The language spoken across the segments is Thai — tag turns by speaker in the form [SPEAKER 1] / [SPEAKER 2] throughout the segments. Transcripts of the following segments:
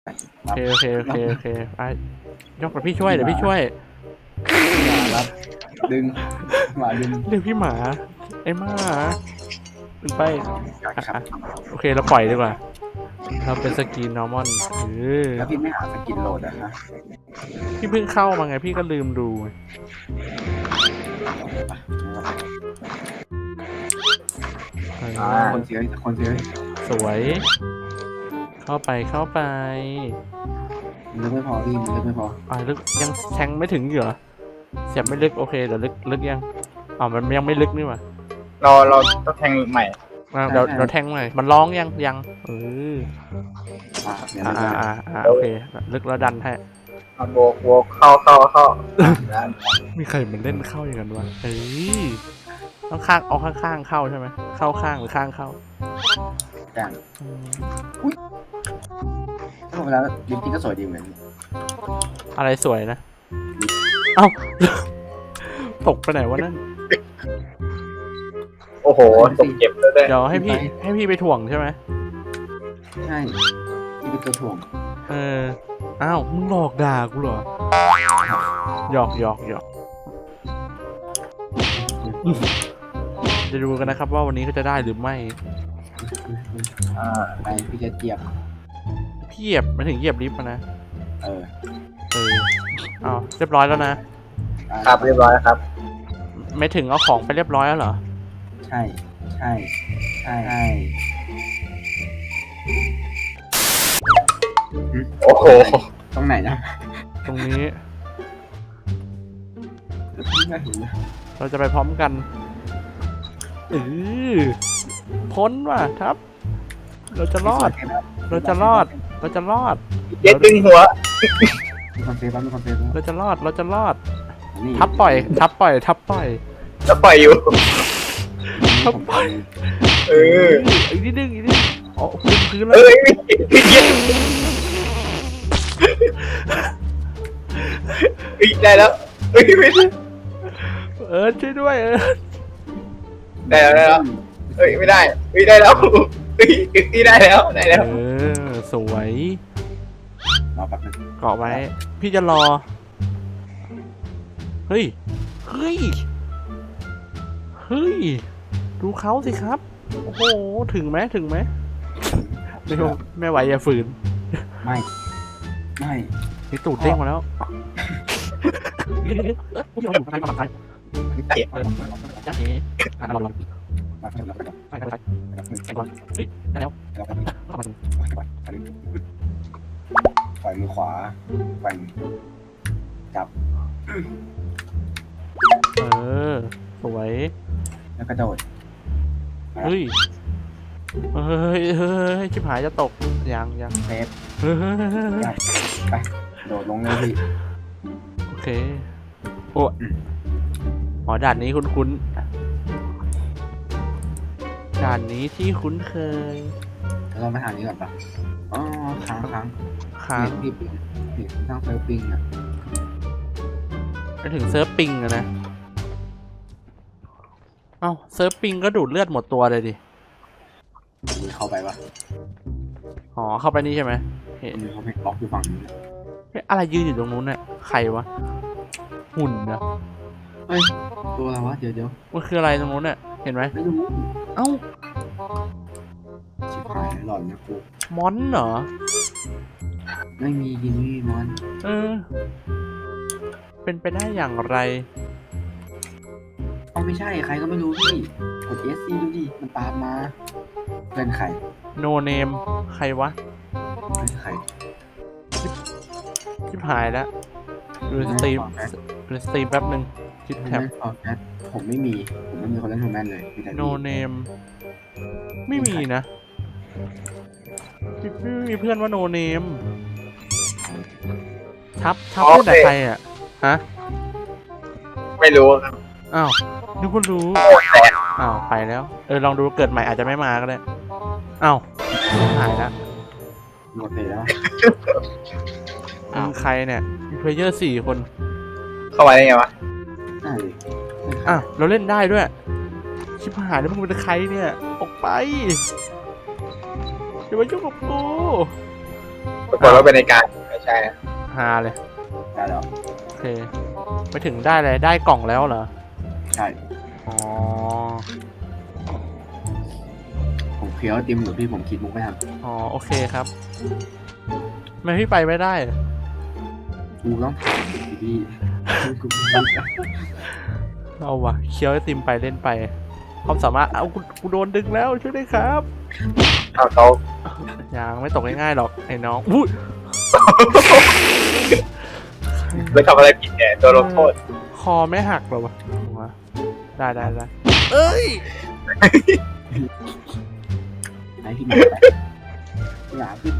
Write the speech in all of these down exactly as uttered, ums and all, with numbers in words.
[SPEAKER 1] โอเคโอเคโอเคโอเคไปยกกับพี่ช่วยเดี๋ยวพี่ช่วย
[SPEAKER 2] รับดึงหมาดึง
[SPEAKER 1] เรียกพี่หมาไอ้หมาขึ้นไป
[SPEAKER 2] ครับ
[SPEAKER 1] อ่ะโอเคเราปล่อยดีกว่าเราเป็นสกินนอร์มอนเออ
[SPEAKER 2] แล้วพี่ไม่หาสกินโหลดอะฮะ
[SPEAKER 1] พี่เพิ่งเข้ามาไงพี่ก็ลืมดูเออ
[SPEAKER 2] คนเสียคนเสีย
[SPEAKER 1] สวย เข้าไปเข้าไป
[SPEAKER 2] มันลึกไม่พอพี่มันลึกไม่พอ
[SPEAKER 1] อ่าลึกยังแทงไม่ถึงอยู่เหรอเสียบไม่ลึกโอเคเดี๋ยวลึกลึกยังอ๋อมันยังไม่ลึกนี่หว่า
[SPEAKER 3] เราเราต้องแทงใหม่
[SPEAKER 1] อ่ะเดี๋ยวเดี๋ยวแทงใหม่มันร้องยังยังเออ
[SPEAKER 2] อ่าเดี๋ยว
[SPEAKER 1] อ่า
[SPEAKER 2] ไม่ได้
[SPEAKER 1] อ่าอ่าโอเคลึกแล้วดันให้
[SPEAKER 3] เอาโบกโบกเข้าเข้าเข้า
[SPEAKER 1] มีใครมันเล่นเข้าอย่างนั้นวะเอ้ยต้องข้างเอาข้างๆเข้าใช่ไหมเข้าข้างหรือข้างเข้า
[SPEAKER 2] จ้าง
[SPEAKER 1] อืม
[SPEAKER 2] เข้าไปแล้วลิฟต์นี่ก็สวยดีเหมือน
[SPEAKER 1] อะไรสวยนะเอ้า ตกไปไหนวะนั่น
[SPEAKER 3] โอ้โหตกเก็บเลยด้วย
[SPEAKER 1] เดี๋ยวให้พี่ให้พี่ไปถ่วงใช่ไหม
[SPEAKER 2] ใช่ที่เป็นตัวถ่วง
[SPEAKER 1] เอออ้าวมึงหลอกด่ากูเหรอหยอกหยอกหยอกจะดูกันนะครับว่าวันนี้เขาจะได้หรือไม่
[SPEAKER 3] อ่า
[SPEAKER 2] ไปพี่จะเจียบ
[SPEAKER 1] พี่เหยียบมาถึงเหยียบลิฟต์มานะ
[SPEAKER 2] เออ
[SPEAKER 1] เอออ้าวเรียบร้อยแล้วนะ
[SPEAKER 3] ครับเรียบร้อยครับ
[SPEAKER 1] ไม่ถึงเอาของไปเรียบร้อยแล้วเหรอ
[SPEAKER 2] ใช่ใช่ใช่ใช่
[SPEAKER 3] โอ้โห
[SPEAKER 2] ตรงไหนนะ
[SPEAKER 1] ตรงนี้
[SPEAKER 2] ไม่เห็นเลย
[SPEAKER 1] เราจะไปพร้อมกันเออพ้นว่ะครับ เราจะรอด เราจะรอด เราจะรอด
[SPEAKER 3] เย็ดดึงหัว
[SPEAKER 2] มีคนเซฟแล้วมีคนเซฟแล้ว
[SPEAKER 1] เราจะรอด เราจะรอด
[SPEAKER 2] นี่
[SPEAKER 1] ทับปล่อย ทับปล่อย ทับปล่อย
[SPEAKER 3] แล้วปล่อยอยู่
[SPEAKER 1] ทับปล่อย
[SPEAKER 3] เออ
[SPEAKER 1] อีกนิดนึงอีกนิดนึงอ๋อพื้นพื้นแล้
[SPEAKER 3] เอ้
[SPEAKER 1] วย
[SPEAKER 3] เย็ดเฮ้ยได้แล้วเฮ้ยไม่ได้
[SPEAKER 1] เออช่วยด้วยเออ
[SPEAKER 3] ได้แล้วได้แล้วเฮ้ยไม่ได้เฮ้ยได้แล้วเฮ้ยนี่ได้แล้วได้แล้ว
[SPEAKER 1] เออสวย
[SPEAKER 2] รอแป๊บนึง
[SPEAKER 1] เกาะไว้ พี่จะรอ เฮ้ย เฮ้ย เฮ้ย ดูเขาสิครับ โอ้โห ถึงไหมถึงไหมไม่รู้ไม่ไหวอย่าฝืน
[SPEAKER 2] ไม่ไม่
[SPEAKER 1] นี่ตูดเด้งมาแล้วผู้ชมอยู่ใครมาใคร
[SPEAKER 3] เตะ
[SPEAKER 1] จ้าเอ๋อ่ะรอรอ
[SPEAKER 2] มาเพิ่มแล้วไปก่อน
[SPEAKER 1] ไปไปไป
[SPEAKER 2] ไปก่อน
[SPEAKER 1] ไปก่อนเฮ้ยได้แล้ว
[SPEAKER 2] แล้วก็
[SPEAKER 1] เข้ามาถึง
[SPEAKER 2] ปล่อยปล่อยปล่อยมือขวาแกว่งจับ
[SPEAKER 1] เออ สวย
[SPEAKER 2] แล้วกระโดด
[SPEAKER 1] เฮ้ย เฮ้ยเฮ้ยชิบหายจะตก ยังยัง
[SPEAKER 2] เซฟ
[SPEAKER 1] เฮ้ย
[SPEAKER 2] ไปโดดลงเลยพี่
[SPEAKER 1] โอเค โอ้หอด่านนี้คุ้นๆ ด่านนี้ที่คุ้นเคย
[SPEAKER 2] แล้วเราไปทางนี้ก่อนปะอ๋อค้างค้าง
[SPEAKER 1] ค้าง
[SPEAKER 2] เห็นพี่ปิงเห็นทางเซิร์ฟปิงอ่ะ
[SPEAKER 1] ไปถึงเซิร์ฟปิงอะนะ เอ้าเซิร์ฟปิงก็ดูดเลือดหมดตัวเลยดิ
[SPEAKER 2] มีเข้าไปปะ
[SPEAKER 1] อ๋อ เข้าไปนี่ใช่ไหมเห็น
[SPEAKER 2] มีเขาไม่บล็อกอยู่ฝั่งนี้
[SPEAKER 1] เฮ้ยอะไรยืนอยู่ตรงนู้นเนี่ยใครวะ หุ่นนะ
[SPEAKER 2] เฮ้ยตัวอะไรวะเดี๋ยวเดี๋ยว
[SPEAKER 1] มันคืออะไรตรงนู้นเนี่ยเห็นไหม
[SPEAKER 2] ไม่รู้
[SPEAKER 1] เอ้า
[SPEAKER 2] ชิบหายหลอนนะกู
[SPEAKER 1] มอนเหรอ
[SPEAKER 2] ไม่มีกินไม่มีมอน
[SPEAKER 1] เออ เป็นไปได้อย่างไร
[SPEAKER 2] เอาไม่ใช่ใครก็ไม่รู้พี่กด เอส ซี ดูดิมันตามมาเพื่อนใคร
[SPEAKER 1] โนเนมใครวะ
[SPEAKER 2] เพื่อนใคร
[SPEAKER 1] ชิบหายแล้วดูสตรีมดูสตรีมแป๊บหนึ่งคิด
[SPEAKER 2] ผม
[SPEAKER 1] แท็บ
[SPEAKER 2] ไม่ฟอร์แมทผมไม่มีผมไม่มีคนเล่นโทแมนเลยมีแต่
[SPEAKER 1] โนเนมไม่มีนะไม่มีเพื่อนว่าโนเนมทับทับเล่นแต่ใครอ่ะฮะ
[SPEAKER 3] ไม่รู้ครับ
[SPEAKER 1] อ้าวนึกว่ารู้อ้าวไปแล้วเออลองดูเกิดใหม่อาจจะไม่มาก็ได้อ้าวหายแล้ว
[SPEAKER 2] หมดเลยแล้ว
[SPEAKER 1] มึงใครเนี่ยมีเพลเยอร์สี่คน
[SPEAKER 3] เข้ามาได้ไงวะ
[SPEAKER 2] ได้เลย
[SPEAKER 1] อ่ะเราเล่นได้ด้วย ชิบหายแล้วมึงเป็นใครเนี่ย ออกไปอย่ามายุ่งกับกู
[SPEAKER 3] ากฏว่าเป็นในการไม่ใช่นะ
[SPEAKER 1] ฮาเลย
[SPEAKER 2] ได้แล้ว
[SPEAKER 1] โอเคไปถึงได้เลยได้กล่องแล้วเหรอ
[SPEAKER 2] ใช่
[SPEAKER 1] อ๋อ
[SPEAKER 2] ผมเคี้ยวไอติมอยู่พี่ผมคิดมุกไม่ทัน
[SPEAKER 1] อ๋อโอเคครับทำไมพี่ไปไม่ได้
[SPEAKER 2] กูต้องถามดิพี่กูไม่รู้
[SPEAKER 1] เอาวะเคี้ยวไอติมไปเล่นไปความสามารถเอากูกูโดนดึงแล้วช่วยด้วยครับ
[SPEAKER 3] เอาเขา
[SPEAKER 1] ยังไม่ตกง่ายๆหรอกไอ้น้องอุ้ย
[SPEAKER 3] ไปทำอะไรผิดเนี่ยตัวลงโทษ
[SPEAKER 1] คอไม่หักหรอวะวะได้ได้ได้เอ้ย
[SPEAKER 2] ไอ้พี่หมาไปหมาขึ้น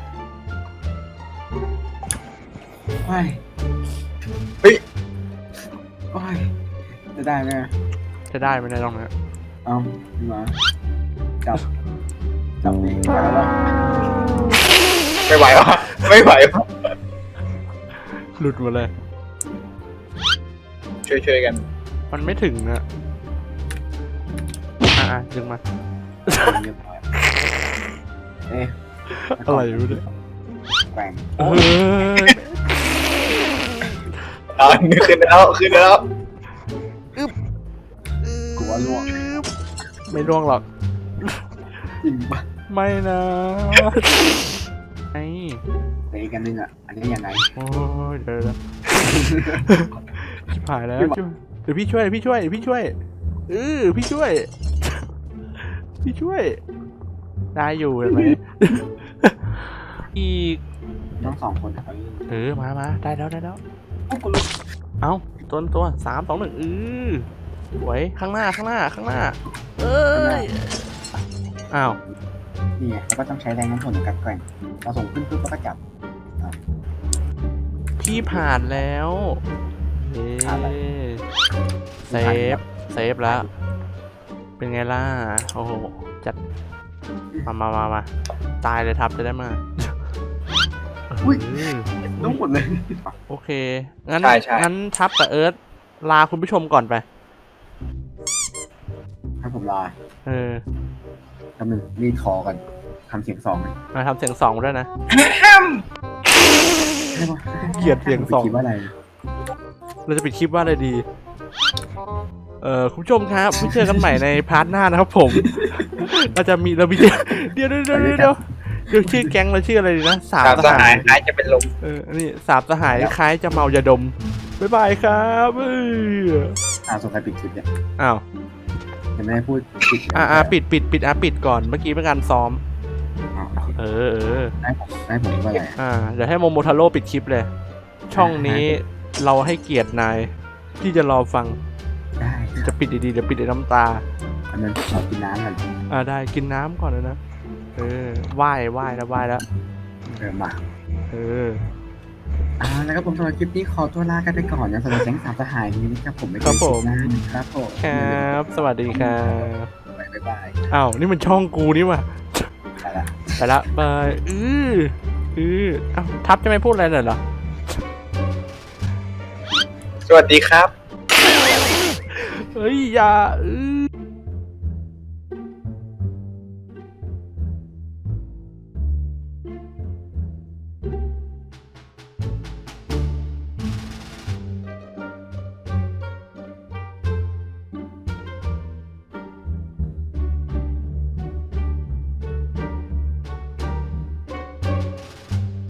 [SPEAKER 2] ว้าย
[SPEAKER 3] เฮ้ย
[SPEAKER 2] ว้ายจะได้ไหม
[SPEAKER 1] จะได้ไหมเนี่ยตรงนี้
[SPEAKER 2] เอาพี่หมาจับจับเองไปแล้ว
[SPEAKER 3] ไม่ไหววะไม่ไหววะ
[SPEAKER 1] หลุดหมดเลย
[SPEAKER 3] ช่วยช่วยๆกัน
[SPEAKER 1] มันไม่ถึงอะอ่ะอ่ะดึงมา
[SPEAKER 2] เรียบร้อยเอ๊ะ
[SPEAKER 1] อะไรอยู่เนี่ย
[SPEAKER 2] แกว่ง
[SPEAKER 1] เฮ้ย
[SPEAKER 3] เอาขึ้นแล้วขึ้นแล้ว
[SPEAKER 2] กูว่าล่วง
[SPEAKER 1] ไม่ร่วงหรอก
[SPEAKER 2] จริงปะ
[SPEAKER 1] ไม่นะไอ้
[SPEAKER 2] เตะกันนึงอ่ะอันนี้ยังไง
[SPEAKER 1] โอ้ยเดี๋ยวเดี๋ยวชิบหายแล้วช่วยเดี๋ยวพี่ช่วยพี่ช่วยพี่ช่วยเออพี่ช่วย พี่ช่วย ได้อยู่เห็นไหม อีก
[SPEAKER 2] ต้องสองคนครับ
[SPEAKER 1] เออมามาได้แล้วได้แล้ว
[SPEAKER 2] กูกูรู้
[SPEAKER 1] เอาตัวตัวสามสองหนึ่งเออสวยข้างหน้าข้างหน้าข้างหน้า เอ้ยอ้าว
[SPEAKER 2] นี่ไงแล้วก็ต้องใช้แรงน้ำผลในการแกว่งเราส่งขึ้นปุ๊บแล้วก็จับ
[SPEAKER 1] พี่ผ่านแล้วเย้
[SPEAKER 2] ผ่านแล้ว
[SPEAKER 1] เซฟเซฟแล้ว เป็นไงล่ะโอ้โหจัดมามามามาตายเลยทับจะได้มา
[SPEAKER 2] อุ้ย
[SPEAKER 1] เออ
[SPEAKER 2] ต้องหมดเลย
[SPEAKER 1] โอเค งั้น
[SPEAKER 3] ใช่ใช่
[SPEAKER 1] งั้นทับกับเอิร์ธลาคุณผู้ชมก่อนไป
[SPEAKER 2] ให้ผมลา
[SPEAKER 1] เออ
[SPEAKER 2] คำหนึ่งรีดคอกันทำเสียงสองเลย
[SPEAKER 1] มาทำเสียงสองด้วยนะ
[SPEAKER 2] ได้ปะ
[SPEAKER 1] เกลียดเสียงสอง
[SPEAKER 2] คิดว่าอะไร
[SPEAKER 1] เราจะปิดคลิปว่าอะไรดี เอ่อคุณผู้ชมครับไว้เจอกันใหม่ในพาร์ทหน้านะครับผม เราจะมีเรามีเดี๋ยวเดี๋ยวเดี๋ยวเดี๋ยวเดี๋ยวเดี๋ยวชื่อแก๊งเราชื่ออะไรดีนะสาม
[SPEAKER 3] สาม
[SPEAKER 1] ส
[SPEAKER 3] ส
[SPEAKER 1] หา
[SPEAKER 3] หาย
[SPEAKER 1] ย
[SPEAKER 3] คล้ายจะเป็นลม
[SPEAKER 1] เออนี่สามสหายคล้ายจะเมายาดมบ๊ายบายครับเออ
[SPEAKER 2] อ่าส่งใครปิดคลิปเนี่ย
[SPEAKER 1] อ้าว
[SPEAKER 2] ยังไม่ได้พูดปิด
[SPEAKER 1] อ่าอ่าปิดปิดปิดอ่ะปิดก่อนเมื่อกี้เป็นการซ้อม
[SPEAKER 2] อ๋อ
[SPEAKER 1] เออเออ
[SPEAKER 2] ได้ผมได้ผมว่าอะไร
[SPEAKER 1] อ่าเดี๋ยวให้โมโมทาโร่ปิดคลิปเลย ช่องนี้เราให้เกียรตินายที่จะรอฟัง
[SPEAKER 2] ได้
[SPEAKER 1] จะปิดดีๆเดี๋ยวปิดด้วยน้ำตา
[SPEAKER 2] อันนั้นขอกินน้ำกัน
[SPEAKER 1] อ่าได้กินน้ำก่อนเลยนะ เออไหว้ไหว้แล้วไหว้แล้ว
[SPEAKER 2] เออมา
[SPEAKER 1] เออ
[SPEAKER 2] อ่าแล้วก็ผมสำหรับคลิปนี้ขอตัวลากันไปก่อนนะสำหรับแก๊งสามสหายนี้นะครับผมไม่เค
[SPEAKER 1] ครั
[SPEAKER 2] ย
[SPEAKER 1] บผม
[SPEAKER 2] คิดนะครับผม
[SPEAKER 1] ครับ สวัสดีครับ
[SPEAKER 2] บ๊ายบาย
[SPEAKER 1] อ้าว นี่มันช่องกูนี่ว่ะ
[SPEAKER 2] ไปละ
[SPEAKER 1] ไปละบายอืออืออ้าวทับจะไม่พูดอะไรเลยเหรอ
[SPEAKER 3] สวัสดีครับ
[SPEAKER 1] เฮ้ย อย่าอือ